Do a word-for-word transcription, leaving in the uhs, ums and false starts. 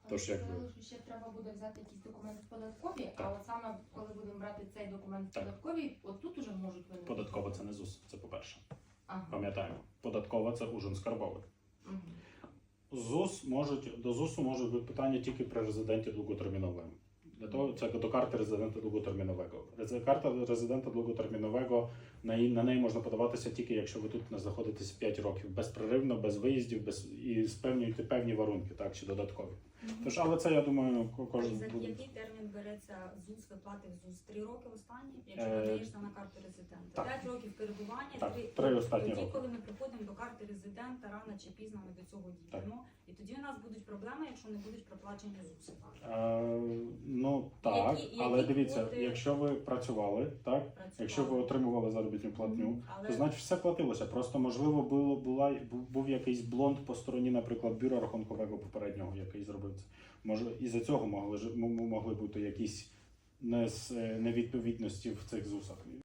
Тож, якби... Що ще треба буде взяти якісь документи в податковій, Так. а от саме коли будемо брати цей документ в Так. податковій, от тут уже можуть виникнути. Податкова це не ЗУС, це по-перше. Ага. Пам'ятаємо. Податкова це ужин скарбовий. Угу. ЗУС можуть, до ЗУСу можуть бути питання тільки при резиденті довготерміновому. Для того це до карти резидента довготермінового. Рези- Карта резидента довготермінового, на, її- на неї можна подаватися тільки якщо ви тут не знаходитесь п'ять років, безперервно, без виїздів, без і спевнюєте певні варунки, так чи додаткові. Тож, але це я думаю, ко- А кожен за буде. який термін береться ЗУС, виплати в ЗУС? Три роки останні, якщо Е, надаєшся на карту резидента. так. П'ять років перебування, Так, три, три останні тоді, роки. коли ми приходимо до карти резидента, рано чи пізно ми до цього дійдемо. І тоді у нас будуть проблеми, якщо не будуть проплачені ЗУСи. Е, ну так, Які- але які дивіться, квоти? якщо ви працювали, так, Працювали. якщо ви отримували заробітну платню, Мгм, але- то значить все платилося. Просто можливо було була бу- був якийсь блонд по стороні, наприклад, бюро рахункового попереднього, який зробив це. Може, і за цього могли ж м- м- могли бути якісь нес- невідповідності в цих ЗУСах.